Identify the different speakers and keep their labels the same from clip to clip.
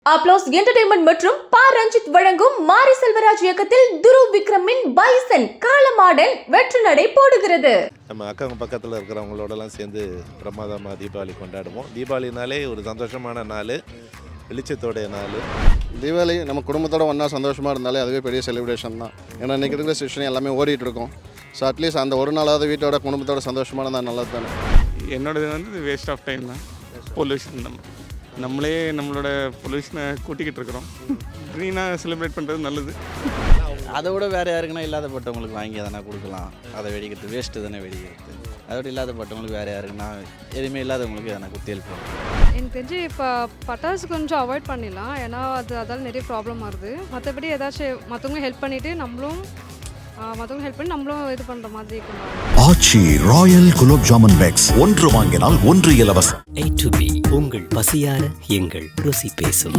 Speaker 1: Applause entertainment மற்றும் பா ரஞ்சித் வழங்கும் மாரி செல்வராஜ் இயக்கத்தில் துருவ் விக்ரமின் பைசன் காலமாடன் வெற்றி நடை போடுகிறது.
Speaker 2: நம்ம அக்கம் பக்கத்தில் இருக்கிறவங்களோடலாம் சேர்ந்து பிரமாதமாக தீபாவளி கொண்டாடுவோம். தீபாவளினாலே ஒரு சந்தோஷமான நாள், வெளிச்சத்தோடைய நாள்.
Speaker 3: தீபாவளி நம்ம குடும்பத்தோட ஒன்றா சந்தோஷமாக இருந்தாலே அதுவே பெரிய செலிப்ரேஷன் தான். ஏன்னா இன்றைக்கி இருக்கிற சுச்சுவேஷன் எல்லாமே ஓடிட்டு இருக்கும். ஸோ அட்லீஸ்ட் அந்த ஒரு நாளாவது வீட்டோட குடும்பத்தோட சந்தோஷமாக இருந்தால் நல்லது தானே.
Speaker 4: என்னோடது வந்து வேஸ்ட் ஆஃப் டைம் தான். பொல்யூஷன் நம்மளே நம்மளோட பொல்யூஷனை கூட்டிக்கிட்டு இருக்கிறோம். க்ரீனாக செலிப்ரேட் பண்ணுறது நல்லது.
Speaker 5: அதை விட வேறு யாருக்குன்னா இல்லாதப்பட்டவங்களுக்கு வாங்கி அதனால் கொடுக்கலாம். அதை வெடிக்கிறது வேஸ்ட்டு தானே வெடிக்கிறது. அதோட இல்லாதப்பட்டவங்களுக்கு வேறு யாருக்குன்னா எதுவுமே இல்லாதவங்களுக்கு எதனா குத்தி எழுப்போம்.
Speaker 6: எனக்கு தெரிஞ்சு இப்போ பட்டாசு கொஞ்சம் அவாய்ட் பண்ணிடலாம். ஏன்னா அதால் நிறைய ப்ராப்ளம் வருது. மற்றபடி ஏதாச்சும் மற்றவங்க ஹெல்ப் பண்ணிவிட்டு நம்மளும் இது பண்ணுற மாதிரி கொண்டாடுறோம்.
Speaker 7: ஆச்சி ராயல் குலோப் ஜாமுன் பேக்ஸ் ஒன்று வாங்கினால் ஒன்று இலவசம்.
Speaker 8: A to B உங்கள் பசியார எங்கள் ருசி பேசும்.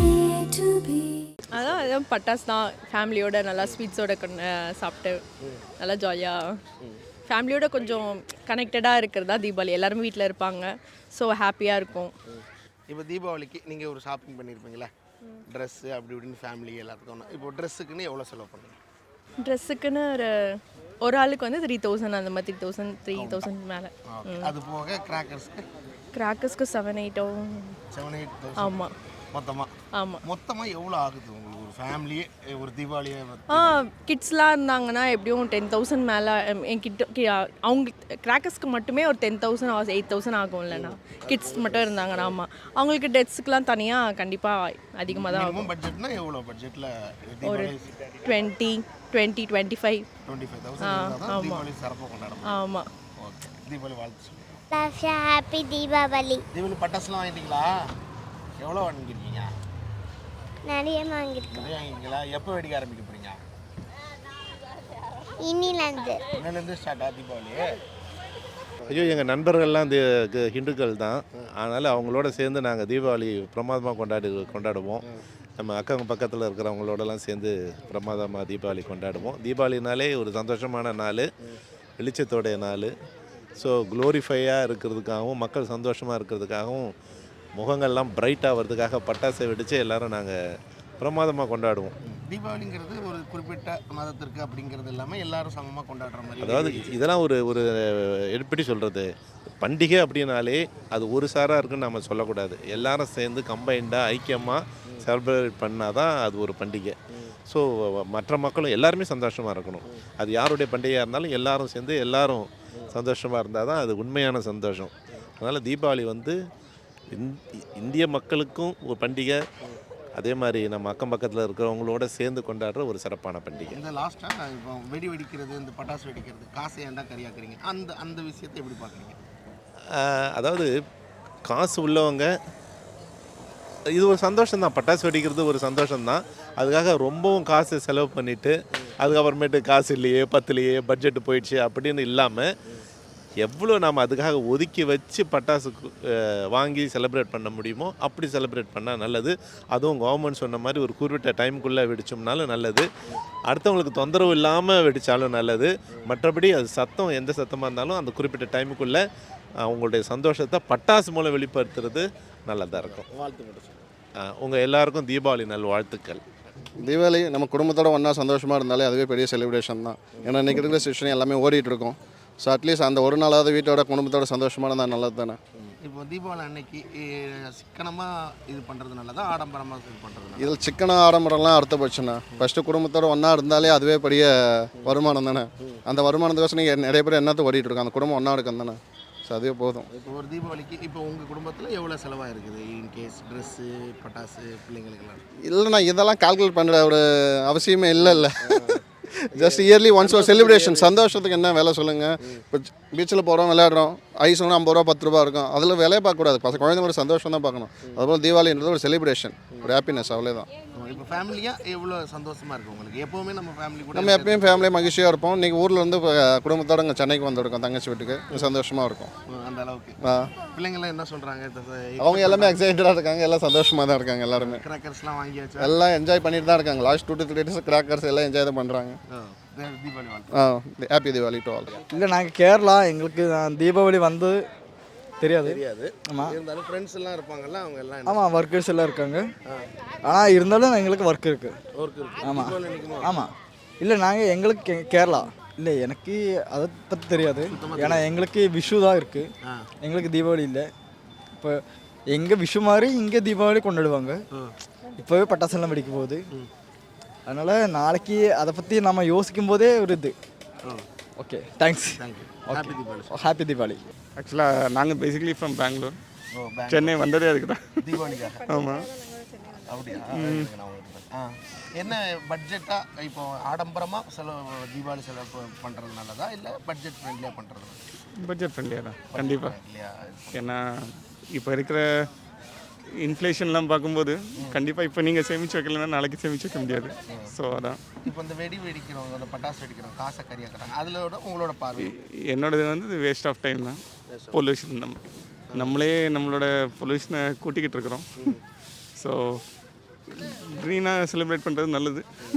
Speaker 9: அதான் பட்டாசு தான். ஃபேமிலியோட நல்லா ஸ்வீட்ஸோட சாப்பிட்டு நல்லா ஜாலியாக ஃபேமிலியோட கொஞ்சம் கனெக்டடாக இருக்கிறதா தீபாவளி. எல்லாருமே வீட்டில் இருப்பாங்க. ஸோ ஹாப்பியாக இருக்கும்.
Speaker 10: இப்போ தீபாவளிக்கு நீங்கள் ஒரு ஷாப்பிங் பண்ணியிருப்பீங்களா? ட்ரெஸ்ஸு அப்படி இப்படின்னு ஃபேமிலி எல்லாத்துக்கும். இப்போ ட்ரெஸ்ஸுக்குன்னு எவ்வளோ செலவு பண்ணுங்க?
Speaker 9: ட்ரெஸ்ஸுக்குன்னு ஒரு ஆளுக்கு வந்து 3000 அந்த மாதிரி 3000 மேலே.
Speaker 10: அது போக
Speaker 9: கிராக்கர்ஸ்க்கு 7-8 ஆமாம்.
Speaker 10: மொத்தமாக எவ்வளோ ஆகுது உங்களுக்கு ஒரு ஃபேமிலியே ஒரு தீபாவளியை?
Speaker 9: கிட்ஸ்லாம் இருந்தாங்கன்னா எப்படியும் 10,000 மேலே. அவங்க கிராக்கர்ஸ்க்கு மட்டுமே ஒரு 10,000 8,000 ஆகும் இல்லைண்ணா. கிட்ஸ் மட்டும் இருந்தாங்கன்னா. ஆமாம், அவங்களுக்கு ட்ரெஸ்ஸுக்கெலாம் தனியாக கண்டிப்பாக அதிகமாக தான் ஆகும்.
Speaker 10: பட்ஜெட்னா எவ்வளோ பட்ஜெட்டில்? ஒரு
Speaker 9: 25,000
Speaker 10: தீபாவளி சிறப்பாக கொண்டாடுறோம்.
Speaker 9: ஆமாம்.
Speaker 10: ஓகே, தீபாவளி வாழ்த்து.
Speaker 11: ஹாப்பி தீபாவளி.
Speaker 10: தீபாவளி பட்டாசுலாம் வாங்கிட்டீங்களா? எவ்வளோ வாங்கியிருக்கீங்க?
Speaker 11: நிறைய வாங்கியிருக்கோம்.
Speaker 10: நிறைய வாங்கிங்களா? எப்போ வெடிக்க ஆரம்பிக்க போகிறீங்க?
Speaker 11: இன்னிலேருந்து
Speaker 10: ஸ்டார்ட் ஆகுது தீபாவளி.
Speaker 2: ஐயோ, எங்கள் நண்பர்கள்லாம் ஹிந்துக்கள் தான். அதனால் அவங்களோட சேர்ந்து நாங்கள் தீபாவளி பிரமாதமாக கொண்டாடுவோம். நம்ம அக்கம் பக்கத்தில் இருக்கிறவங்களோடலாம் சேர்ந்து பிரமாதமாக தீபாவளி கொண்டாடுவோம். தீபாவளினாலே ஒரு சந்தோஷமான நாள், வெளிச்சத்தோடைய நாள். ஸோ க்ளோரிஃபையாக இருக்கிறதுக்காகவும் மக்கள் சந்தோஷமாக இருக்கிறதுக்காகவும் முகங்கள்லாம் பிரைட் ஆகிறதுக்காக பட்டாசை வெடித்து எல்லோரும் நாங்கள் பிரமாதமாக கொண்டாடுவோம்.
Speaker 10: தீபாவளிங்கிறது ஒரு குறிப்பிட்ட மதத்திற்கு அப்படிங்கிறது இல்லாமல் எல்லாரும் சமமாக கொண்டாடுற மாதிரி.
Speaker 2: அதாவது இதெல்லாம் ஒரு எப்படி சொல்கிறது, பண்டிகை அப்படின்னாலே அது ஒரு சாராக இருக்குன்னு நம்ம சொல்லக்கூடாது. எல்லாரும் சேர்ந்து கம்பைண்டாக ஐக்கியமாக செலிப்ரேட் பண்ணால் தான் அது ஒரு பண்டிகை. ஸோ மற்ற மக்களும் எல்லாருமே சந்தோஷமாக இருக்கணும். அது யாருடைய பண்டிகையாக இருந்தாலும் எல்லாரும் சேர்ந்து எல்லாரும் சந்தோஷமாக இருந்தால் தான் அது உண்மையான சந்தோஷம். அதனால் தீபாவளி வந்து இந்திய மக்களுக்கும் ஒரு பண்டிகை, அதே மாதிரி நம்ம அக்கம் பக்கத்தில் இருக்கிறவங்களோட சேர்ந்து கொண்டாடுற ஒரு சிறப்பான பண்டிகை.
Speaker 10: இந்த லாஸ்ட்டாக இப்போ வெடிக்கிறது, இந்த பட்டாசு வெடிக்கிறது, காசை ஏன்டா கரியாக்குறீங்க, அந்த விஷயத்தை எப்படி பார்க்குறீங்க?
Speaker 2: அதாவது காசு உள்ளவங்க இது ஒரு சந்தோஷம்தான். பட்டாசு வெடிக்கிறது ஒரு சந்தோஷம்தான். அதுக்காக ரொம்பவும் காசு செலவு பண்ணிவிட்டு அதுக்கப்புறமேட்டு காசு இல்லையே, பத்துலையே, பட்ஜெட்டு போயிடுச்சு அப்படின்னு இல்லாமல் எவ்வளோ நாம் அதுக்காக ஒதுக்கி வச்சு பட்டாசு வாங்கி செலிப்ரேட் பண்ண முடியுமோ அப்படி செலிப்ரேட் பண்ணால் நல்லது. அதுவும் கவர்மெண்ட் சொன்ன மாதிரி ஒரு குறிப்பிட்ட டைமுக்குள்ளே வெடிச்சோம்னாலும் நல்லது. அடுத்தவங்களுக்கு தொந்தரவு இல்லாமல் வெடித்தாலும் நல்லது. மற்றபடி அது சத்தம் எந்த சத்தமாக இருந்தாலும் அந்த குறிப்பிட்ட டைமுக்குள்ளே அவங்களுடைய சந்தோஷத்தை பட்டாசு மூலம் வெளிப்படுத்துறது நல்லதாக இருக்கும். உங்கள் எல்லாருக்கும் தீபாவளி நல் வாழ்த்துக்கள்.
Speaker 3: தீபாவளி நம்ம குடும்பத்தோட ஒன்றா சந்தோஷமாக இருந்தாலே அதுவே பெரிய செலிப்ரேஷன் தான். ஏன்னா இன்றைக்கி இருக்கிற சுச்சுவேஷன் எல்லாமே ஓடிட்டு இருக்கும். ஸோ அட்லீஸ்ட் அந்த ஒரு நாளாவது வீட்டோட குடும்பத்தோட சந்தோஷமாக இருந்தால் நல்லது தானே.
Speaker 10: இப்போ தீபாவளி அன்னைக்கு சிக்கனமாக இது பண்ணுறது நல்லதா, ஆடம்பரமாக இது பண்ணுறது?
Speaker 3: இதில் சிக்கனம் ஆடம்பரம்லாம் அர்த்தப்பட்டுச்சுண்ணா. ஃபஸ்ட்டு குடும்பத்தோட ஒன்றா இருந்தாலே அதுவே பெரிய வருமானம் தானே. அந்த வருமானத்துக்கோசம் நீங்கள் நிறைய பேர் என்னத்தை ஓடிட்டு இருக்கோம், அந்த குடும்பம் ஒன்றா இருக்கும் தானே. ஸோ அதுவே போதும்.
Speaker 10: இப்போ ஒரு தீபாவளிக்கு இப்போ உங்கள் குடும்பத்தில் எவ்வளோ செலவாக இருக்குது இன்கேஸ் ட்ரெஸ்ஸு, பட்டாசு, பிள்ளைங்களுக்கெல்லாம்?
Speaker 3: இல்லைண்ணா, இதெல்லாம் கால்குலேட் பண்ணுற ஒரு அவசியமே இல்லை. ஜஸ்ட் இயர்லி ஒன்ஸ் ஒரு செலிப்ரேஷன். சந்தோஷத்துக்கு என்ன வேலை சொல்லுங்கள். இப்போ பீச்சில் போகிறோம், விளையாடுறோம், ஐஸ் ஒன்று 50 ரூபா 10 ரூபா இருக்கும். அதில் வேலையை பார்க்கக்கூடாது. குழந்தைங்களோட சந்தோஷம் தான் பார்க்கணும். அதுபோல் தீபாவளின்றது ஒரு செலிப்ரேஷன், ஒரு ஹாப்பினஸ், அவ்வளோதான்.
Speaker 10: இப்போ ஃபேமிலியாக எவ்வளோ சந்தோஷமாக இருக்கும் உங்களுக்கு? எப்போவுமே நம்ம ஃபேமிலி கூட
Speaker 3: நம்ம எப்பயும் ஃபேமிலியாக மகிழ்ச்சியாக இருப்போம். இன்றைக்கி ஊரில் இருந்து இப்போ குடும்பத்தோடு இங்கே சென்னைக்கு வந்துருக்கோம் தங்கச்சி வீட்டுக்கு. சந்தோஷமாக இருக்கும்.
Speaker 10: அந்த அளவுக்கு பிள்ளைங்களாம் என்ன சொல்கிறாங்க?
Speaker 3: அவங்க எல்லாமே எக்ஸைட்டடாக இருக்காங்க. எல்லாம் சந்தோஷமாக தான் இருக்காங்க. எல்லாருமே
Speaker 10: கிராக்கர்ஸ்லாம் வாங்கியாச்சு,
Speaker 3: எல்லாம் என்ஜாய் பண்ணிட்டு தான் இருக்காங்க. லாஸ்ட் 2 to 3 days கிராக்கர்ஸ் எல்லாம் என்ஜாய் தான் பண்ணுறாங்க.
Speaker 10: Deepavali
Speaker 3: happy Deepavali to all.
Speaker 5: இல்லை, நாங்கள் கேரளா. எங்களுக்கு தீபாவளி வந்து
Speaker 12: தெரியாது. ஆமாம்.
Speaker 10: இருந்தாலும் ஃப்ரெண்ட்ஸ் எல்லாம் இருப்பாங்கல்ல, அவங்க எல்லாம்
Speaker 12: ஆமாம், ஒர்க்கர்ஸ் எல்லாம் இருக்காங்க. ஆனால் இருந்தாலும் எங்களுக்கு ஒர்க் இருக்குது.
Speaker 10: ஒர்க் இருக்கு.
Speaker 12: ஆமாம்
Speaker 10: தீபாவளி நினைக்குமா?
Speaker 12: ஆமாம். இல்லை, நாங்கள் எங்களுக்கு கேரளா இல்லை, எனக்கு அதை பற்றி தெரியாது. ஏன்னா எங்களுக்கு விஷு தான் இருக்குது, எங்களுக்கு தீபாவளி இல்லை. இப்போ எங்கே விஷு மாதிரி இங்கே தீபாவளி கொண்டாடுவாங்க. இப்போவே பட்டாசெல்லாம் வெடிக்க போகுது. அதனால் நாளைக்கு அதை பற்றி நம்ம யோசிக்கும் போதே ஒரு இது. Okay, thanks.
Speaker 10: Happy Deepavali.
Speaker 12: Happy Deepavali.
Speaker 4: ஆக்சுவலாக நாங்கள் பேசிக்கலி ஃப்ரம் பெங்களூர். சென்னை வந்ததே அதுக்கு தான்.
Speaker 10: தீபாவளிக்காக?
Speaker 4: ஆமாம்.
Speaker 10: அப்படியா? என்ன பட்ஜெட்டா இப்போ ஆடம்பரமாக தீபாவளி செலவு பண்ணுறது நல்லதா இல்லை பட்ஜெட் ஃப்ரெண்ட்லியாக பண்ணுறது?
Speaker 4: பட்ஜெட் ஃப்ரெண்ட்லியாக தான் கண்டிப்பாக. ஏன்னா இப்போ இருக்கிற இன்ஃப்ளேஷன்லாம் பார்க்கும்போது கண்டிப்பாக இப்போ நீங்கள் சேமித்து வைக்கலன்னா நாளைக்கு சேமித்து வைக்க முடியாது. ஸோ அதான்
Speaker 10: இப்போ இந்த வெடிக்கிறவங்க, அந்த பட்டாசு வெடிக்கிறவங்க காசை கறியாக்குறாங்க, அதிலோட உங்களோட பார்வை?
Speaker 4: என்னோடது வந்து வேஸ்ட் ஆஃப் டைம் தான். பொல்யூஷன் நம்மளே நம்மளோட பொல்யூஷனை கூட்டிக்கிட்டு இருக்கிறோம். ஸோ க்ரீனாக செலிப்ரேட் பண்ணுறது நல்லது.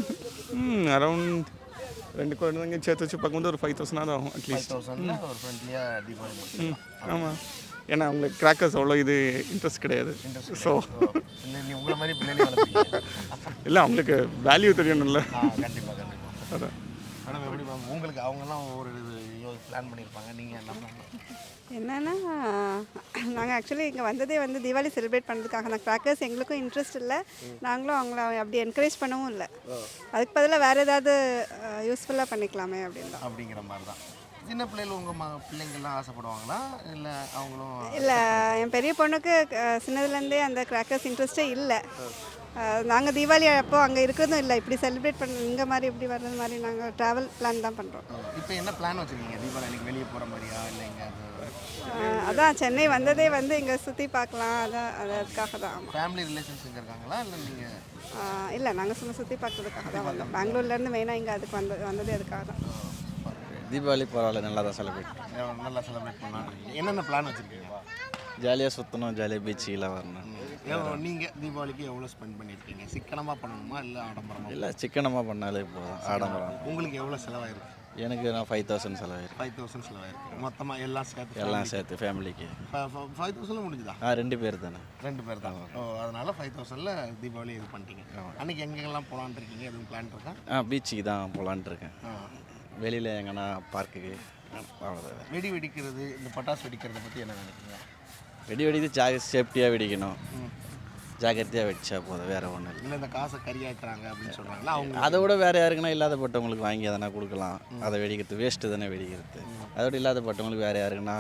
Speaker 4: அரௌண்ட் 2 குழந்தைங்க சேர்த்து வச்சு பார்க்கும்போது ஒரு 5,000 ஆகும் அட்லீஸ்ட்.
Speaker 10: ஒரு ஃப்ரெண்ட்லியாக தீபாவளி.
Speaker 4: ஆமாம், ஏன்னா அவங்களுக்கு கிராக்கர்ஸ் அவ்வளோ இது இன்ட்ரெஸ்ட் கிடையாது. ஸோ
Speaker 10: உங்களை மாதிரி பிள்ளைங்க
Speaker 4: இல்லை, அவங்களுக்கு வேல்யூ தெரியணும்ல.
Speaker 10: கண்டிப்பாக கண்டிப்பாக.
Speaker 4: அதான்
Speaker 10: மேடம், எப்படி மேம் உங்களுக்கு அவங்கெல்லாம் ஒரு பிளான் பண்ணியிருப்பாங்க, நீங்கள் என்ன பண்ணலாம்?
Speaker 13: என்னென்னா, நாங்கள் ஆக்சுவலி இங்கே வந்ததே வந்து தீபாவளி செலிப்ரேட் பண்ணுறதுக்காக தான். கிராக்கர்ஸ் எங்களுக்கும் இன்ட்ரெஸ்ட் இல்லை, நாங்களும் அவங்கள அப்படி என்கரேஜ் பண்ணவும் இல்லை. அதுக்கு பதிலாக வேறு ஏதாவது யூஸ்ஃபுல்லாக பண்ணிக்கலாமே அப்படின்னு தான்.
Speaker 10: அப்படிங்கிற மாதிரி தான். சின்ன பிள்ளைகள் உங்கள் பிள்ளைங்கள்லாம் ஆசைப்படுவாங்களா இல்லை அவங்களும்?
Speaker 13: இல்லை, என் பெரிய பொண்ணுக்கு சின்னதுலேருந்தே அந்த கிராக்கர்ஸ் இன்ட்ரெஸ்ட்டே இல்லை. நாங்கள் தீபாவளி அப்போ அங்கே இருக்கிறதும் இல்லை, இப்படி செலிப்ரேட் பண்ண இங்கே மாதிரி இப்படி வர்றது மாதிரி நாங்கள் ட்ராவல் பிளான் தான் பண்ணுறோம்.
Speaker 10: இப்போ என்ன பிளான் வச்சுருக்கீங்க? தீபாவளி அன்றைக்கி வெளியே போகிற மாதிரியா இல்லை எங்கே?
Speaker 13: அதான் சென்னை வந்ததே வந்து இங்கே சுற்றி பார்க்கலாம், அதான் அதுக்காக தான். ஆமாம்.
Speaker 10: ஃபேமிலி ரிலேஷன்ஸ் இங்கே இருக்காங்களா இல்லை நீங்கள்?
Speaker 13: இல்லை, நாங்கள் சும்மா சுற்றி பார்க்கறதுக்காக தான் வந்தோம். பெங்களூர்லேருந்து மெயினாக இங்கே அதுக்கு வந்ததே அதுக்காக தான்.
Speaker 5: தீபாவளி பரவாயில்ல, நல்லா தான்
Speaker 10: நல்லா செலிப்ரேட் பண்ணலாம். என்னென்ன பிளான் வச்சுருக்கீங்க?
Speaker 5: ஜாலியாக சுற்றணும், ஜாலியாக பீச்சுக்கெல்லாம் வரணும்.
Speaker 10: நீங்கள் தீபாவளிக்கு எவ்வளோ ஸ்பெண்ட் பண்ணியிருக்கீங்க? சிக்கனமாக பண்ணணுமா இல்லை ஆடம்பரமாக?
Speaker 5: இல்லை, சிக்கனமாக பண்ணாலே போதும். ஆடம்பரம்
Speaker 10: உங்களுக்கு எவ்வளோ செலவாயிருக்கு?
Speaker 5: எனக்கு நான் 5,000 செலவாயிருக்கு.
Speaker 10: 5,000 செலவாயிருக்கு மொத்தமாக எல்லாம்
Speaker 5: சேர்த்து ஃபேமிலிக்கு.
Speaker 10: 5,000 முடிஞ்சுதா?
Speaker 5: 2 பேர் தானே.
Speaker 10: 2 பேர் தான். அதனால் 5,000ல் தீபாவளி இது பண்ணிட்டீங்க. அன்றைக்கி எங்கெங்கெல்லாம் போகலான்னு இருக்கீங்க? எதுவும் பிளான் இருக்கா?
Speaker 5: பீச்சுக்கு தான் போகலான்ட்டு இருக்கேன். வெளியில் எங்கன்னா பார்க்குக்கு.
Speaker 10: வெடி வெடிக்கிறது, இந்த பட்டாசு வெடிக்கிறத பற்றி என்ன நினைக்கிறீங்க?
Speaker 5: வெடிக்கிறது சேஃப்டியாக வெடிக்கணும், ஜாக்கிரதையாக வெடிச்சா போதும், வேறு ஒன்றும் இல்லை.
Speaker 10: இல்லை, இந்த காசை கறியாக்குறாங்க அப்படின்னு சொல்கிறாங்களா அவங்க?
Speaker 5: அதை விட வேறு யாருக்குன்னா இல்லாதப்பட்டவங்களுக்கு வாங்கி அதனா கொடுக்கலாம். அதை வெடிக்கிறது வேஸ்ட்டு தானே வெடிக்கிறது. அதோட இல்லாதப்பட்டவங்களுக்கு வேறு யாருக்குன்னா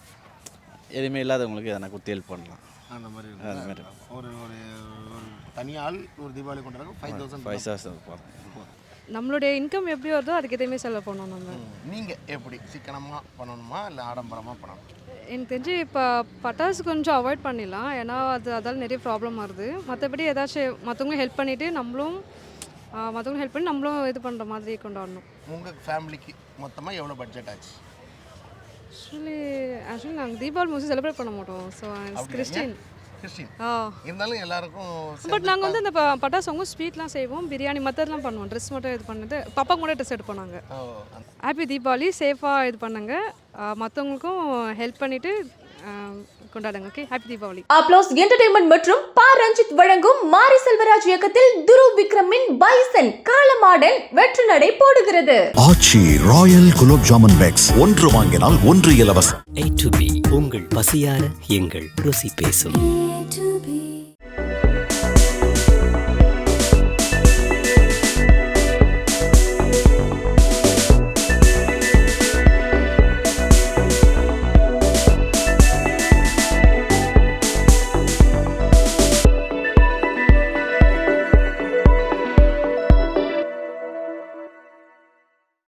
Speaker 5: எதுவுமே இல்லாதவங்களுக்கு எதனா கொடுத்து ஹெல்ப் பண்ணலாம்.
Speaker 10: அந்த மாதிரி ஒரு ஒரு தனியால் ஒரு தீபாவளி கொண்டாடுறது 5,000
Speaker 5: போதும்.
Speaker 6: நம்மளுடைய இன்கம் எப்படி வருதோ அதுக்கு எதுவுமே செலவு பண்ணணும் நம்ம.
Speaker 10: நீங்கள் எப்படி சிக்கனமாக பண்ணணுமா இல்லை ஆடம்பரமாக பண்ணணும்?
Speaker 6: எனக்கு தெரிஞ்சு இப்போ பட்டாசு கொஞ்சம் அவாய்ட் பண்ணிடலாம், ஏன்னா அதால் நிறைய ப்ராப்ளம் வருது. மற்றபடி ஏதாச்சும் மற்றவங்க ஹெல்ப் பண்ணிவிட்டு நம்மளும் இது பண்ணுற மாதிரி கொண்டாடணும்.
Speaker 10: உங்கள் ஃபேமிலிக்கு மொத்தமாக எவ்வளோ பட்ஜெட் ஆச்சு?
Speaker 6: ஆக்சுவலி நாங்கள் தீபாவளி மோஸ்ட்லி செலிப்ரேட் பண்ண மாட்டோம். ஸோ கிறிஸ்டின்
Speaker 10: இருந்தாலும் எல்லாருக்கும்.
Speaker 6: பட் நாங்கள் வந்து இந்த பட்டாசு அவங்க ஸ்வீட்லாம் செய்வோம், பிரியாணி மற்றதெல்லாம் பண்ணுவோம். ட்ரெஸ் மட்டும் இது பண்ணது பாப்பாக்கு கூட ட்ரெஸ் எடுப்போம் நாங்கள். ஹாப்பி தீபாவளி, சேஃபாக இது பண்ணுங்க, மற்றவங்களுக்கும் ஹெல்ப் பண்ணிவிட்டு கொண்டாடுங்க. Okay, happy Deepavali.
Speaker 1: Applause entertainment மற்றும் பா ரஞ்சித் வழங்கும் மாரி செல்வராஜ் இயக்கத்தில் துருவ் விக்ரமின் பைசன் காலமாடன் வெற்றி நடை போடுகிறது.
Speaker 7: ஆச்சி ராயல் குலோப் ஜாமுன் பேக்ஸ், 1 வாங்கினால் 1 இலவசம்.
Speaker 8: A to B உங்கள் பசியார எங்கள் ருசி பேசும்.